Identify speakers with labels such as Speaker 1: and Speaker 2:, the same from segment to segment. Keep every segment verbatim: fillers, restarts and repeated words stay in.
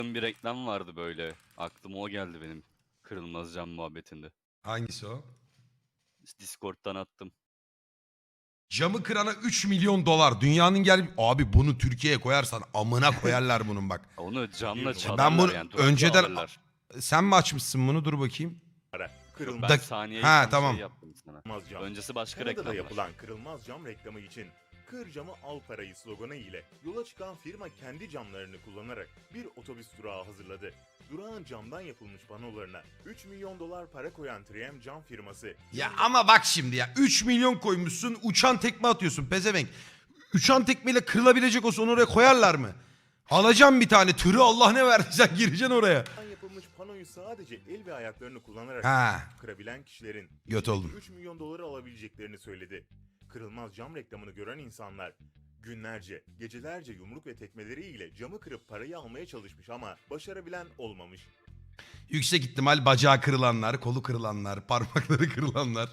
Speaker 1: bir reklam vardı böyle. Aklıma o geldi benim kırılmaz cam muhabbetinde.
Speaker 2: Hangisi o?
Speaker 1: Discord'dan attım.
Speaker 2: Camı kırana üç milyon dolar. Dünyanın gel... Abi bunu Türkiye'ye koyarsan amına koyarlar bunun bak.
Speaker 1: Onu camla
Speaker 2: Ben
Speaker 1: çalarlar
Speaker 2: bunu
Speaker 1: yani. durakla
Speaker 2: önceden...
Speaker 1: alırlar.
Speaker 2: Sen mi açmışsın bunu? Dur bakayım.
Speaker 3: Kırılmaz
Speaker 1: Ben
Speaker 2: Dak-
Speaker 1: saniyeyi
Speaker 2: Ha,
Speaker 1: tam
Speaker 2: tamam.
Speaker 1: şey yaptım sana.
Speaker 3: cam.
Speaker 1: Öncesi başka
Speaker 3: Kanada'da
Speaker 1: reklamlar.
Speaker 3: yapılan kırılmaz cam reklamı için "Kır camı al parayı" sloganı ile yola çıkan firma kendi camlarını kullanarak bir otobüs durağı hazırladı. Durağın camdan yapılmış panolarına üç milyon dolar para koyan üç M cam firması.
Speaker 2: Ya ama bak şimdi ya. üç milyon koymuşsun, uçan tekme atıyorsun pezevenk. Uçan tekmeyle kırılabilecek olsa onu oraya koyarlar mı? Alacağım bir tane tırı, Allah ne verdiysen gireceksin oraya.
Speaker 3: Camdan yapılmış panoyu sadece el ve ayaklarını kullanarak
Speaker 2: Ha.
Speaker 3: kırabilen kişilerin
Speaker 2: Göt oldum.
Speaker 3: üç milyon doları alabileceklerini söyledi. Kırılmaz cam reklamını gören insanlar günlerce, gecelerce yumruk ve tekmeleriyle camı kırıp parayı almaya çalışmış ama başarabilen olmamış.
Speaker 2: Yüksek ihtimal bacağı kırılanlar, kolu kırılanlar, parmakları kırılanlar.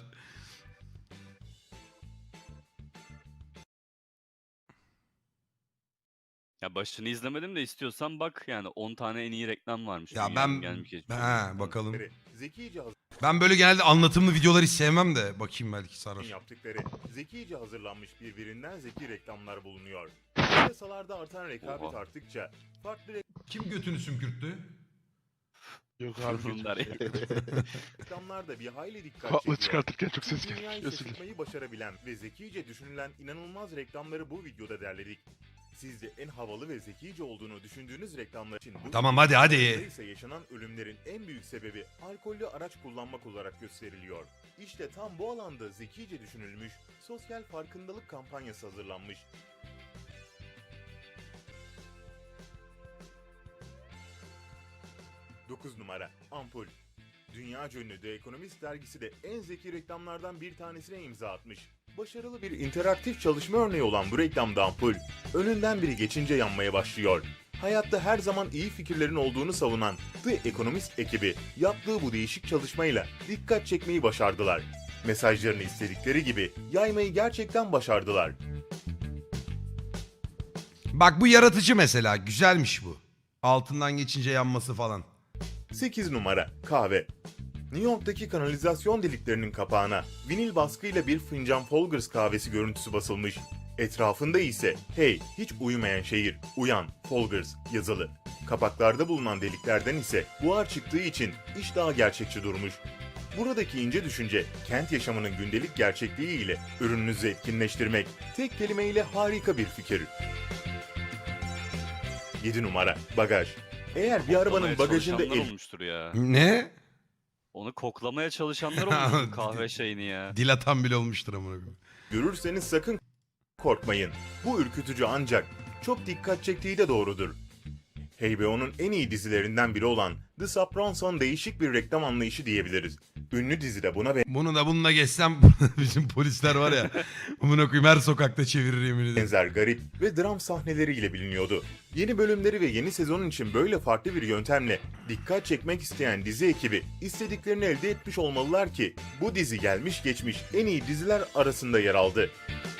Speaker 1: Ya başını izlemedim de istiyorsan bak yani on tane en iyi reklam varmış.
Speaker 2: Ya
Speaker 1: dünyanın
Speaker 2: ben...
Speaker 1: gelmiş geçmiş.
Speaker 2: Ha, bakalım.
Speaker 3: Zekice
Speaker 2: Ben böyle genelde anlatımlı videoları hiç sevmem de bakayım belki sarar.
Speaker 3: yaptıkları zekice hazırlanmış birbirinden zeki reklamlar bulunuyor. Piyasalarda artan rekabet
Speaker 1: Oha.
Speaker 3: arttıkça farklı
Speaker 2: Kim götünü sümkürttü?
Speaker 4: Yok abi.
Speaker 1: Bunlar ya.
Speaker 3: reklamlar da bir hayli dikkat
Speaker 4: Kulaklığı
Speaker 3: çekiyor.
Speaker 4: çıkartırken çok ses
Speaker 3: Dünyayı
Speaker 4: gelmiş. Özür dilerim.
Speaker 3: şaşırtmayı başarabilen ve zekice düşünülen inanılmaz reklamları bu videoda derledik. Sizce en havalı ve zekice olduğunu düşündüğünüz reklamlar için bu
Speaker 2: Tamam, hadi, hadi.
Speaker 3: videoda ise yaşanan ölümlerin en büyük sebebi alkollü araç kullanmak olarak gösteriliyor. İşte tam bu alanda zekice düşünülmüş, sosyal farkındalık kampanyası hazırlanmış. dokuz numara Ampul. Dünyaca ünlü The Economist dergisi de en zeki reklamlardan bir tanesine imza atmış. Başarılı bir interaktif çalışma örneği olan bu reklamda ampul, önünden biri geçince yanmaya başlıyor. Hayatta her zaman iyi fikirlerin olduğunu savunan The Economist ekibi yaptığı bu değişik çalışmayla dikkat çekmeyi başardılar. Mesajlarını istedikleri gibi yaymayı gerçekten başardılar.
Speaker 2: Bak bu yaratıcı mesela. Güzelmiş bu. Altından geçince yanması falan.
Speaker 3: sekiz numara Kahve. New York'taki kanalizasyon deliklerinin kapağına vinil baskıyla bir fincan Folgers kahvesi görüntüsü basılmış. Etrafında ise "Hey, hiç uyumayan şehir, uyan, Folgers" yazılı. Kapaklarda bulunan deliklerden ise buhar çıktığı için iş daha gerçekçi durmuş. Buradaki ince düşünce, kent yaşamının gündelik gerçekliği ile ürününüzü etkinleştirmek, tek kelimeyle harika bir fikir. yedi numara Bagaj. Eğer bir arabanın
Speaker 1: Koklamaya
Speaker 3: bagajında
Speaker 1: çalışanlar
Speaker 3: el
Speaker 1: olmuştur ya.
Speaker 2: Ne?
Speaker 1: Onu koklamaya çalışanlar olmuştur kahve şeyini ya.
Speaker 2: Dil atan bile olmuştur amına koyayım.
Speaker 3: görürseniz sakın korkmayın. Bu ürkütücü ancak çok dikkat çektiği de doğrudur. H B O'nun en iyi dizilerinden biri olan The Sopranos'un değişik bir reklam anlayışı diyebiliriz. Ünlü dizide buna
Speaker 2: Bunu da bununla geçsem bizim polisler var ya. Amına koyayım her sokakta çevirir yemin ederim.
Speaker 3: benzer garip ve dram sahneleriyle biliniyordu. Yeni bölümleri ve yeni sezonun için böyle farklı bir yöntemle dikkat çekmek isteyen dizi ekibi istediklerini elde etmiş olmalılar ki bu dizi gelmiş geçmiş en iyi diziler arasında yer aldı.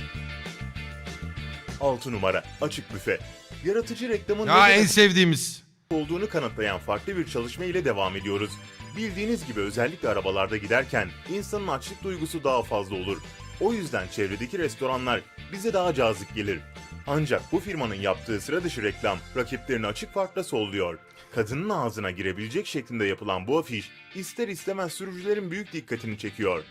Speaker 3: altı numara Açık Büfe. Yaratıcı reklamın
Speaker 2: Ya
Speaker 3: ne
Speaker 2: en
Speaker 3: demek
Speaker 2: sevdiğimiz.
Speaker 3: olduğunu kanıtlayan farklı bir çalışma ile devam ediyoruz. Bildiğiniz gibi özellikle arabalarda giderken insanın açlık duygusu daha fazla olur. O yüzden çevredeki restoranlar bize daha cazip gelir. Ancak bu firmanın yaptığı sıra dışı reklam rakiplerini açık farkla solluyor. Kadının ağzına girebilecek şeklinde yapılan bu afiş ister istemez sürücülerin büyük dikkatini çekiyor.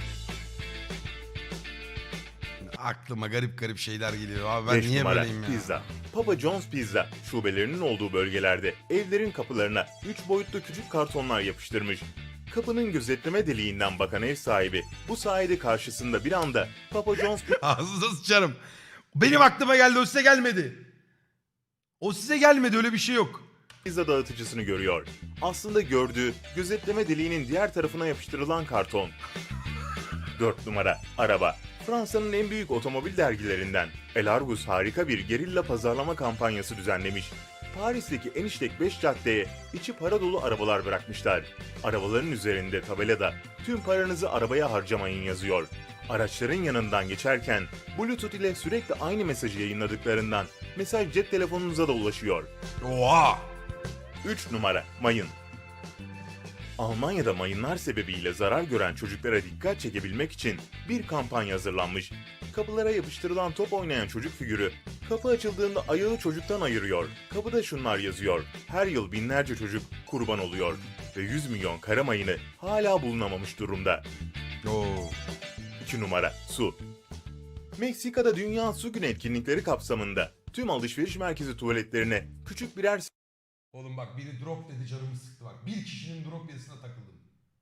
Speaker 2: Aklıma garip garip şeyler geliyor. Abi ben
Speaker 3: beş
Speaker 2: niye
Speaker 3: numara
Speaker 2: böyleyim ya?
Speaker 3: Pizza. Papa John's Pizza şubelerinin olduğu bölgelerde evlerin kapılarına üç boyutlu küçük kartonlar yapıştırmış. Kapının gözetleme deliğinden bakan ev sahibi bu sayede karşısında bir anda Papa John's
Speaker 2: Ağzınıza sıçarım. Benim aklıma geldi, o size gelmedi. O size gelmedi, öyle bir şey yok.
Speaker 3: pizza dağıtıcısını görüyor. Aslında gördüğü gözetleme deliğinin diğer tarafına yapıştırılan karton. dört numara Araba. Fransa'nın en büyük otomobil dergilerinden El Argus harika bir gerilla pazarlama kampanyası düzenlemiş. Paris'teki en işlek beş caddeye içi para dolu arabalar bırakmışlar. Arabaların üzerinde tabelada "Tüm paranızı arabaya harcamayın" yazıyor. Araçların yanından geçerken Bluetooth ile sürekli aynı mesajı yayınladıklarından mesaj cep telefonunuza da ulaşıyor.
Speaker 2: Oha!
Speaker 3: üç numara mayın. Almanya'da mayınlar sebebiyle zarar gören çocuklara dikkat çekebilmek için bir kampanya hazırlanmış. Kapılara yapıştırılan top oynayan çocuk figürü, kapı açıldığında ayağı çocuktan ayırıyor. Kapıda şunlar yazıyor: her yıl binlerce çocuk kurban oluyor ve yüz milyon kara mayını hala bulunamamış durumda.
Speaker 2: Oo.
Speaker 3: iki numara su. Meksika'da Dünya Su Günü etkinlikleri kapsamında tüm alışveriş merkezi tuvaletlerine küçük birer
Speaker 2: Oğlum bak biri drop dedi canımı sıktı bak. Bir kişinin drop yazısına takıldım.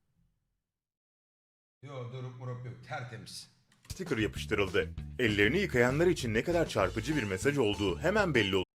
Speaker 2: Yok drop murop yok tertemiz.
Speaker 3: sticker yapıştırıldı. Ellerini yıkayanlar için ne kadar çarpıcı bir mesaj olduğu hemen belli oldu.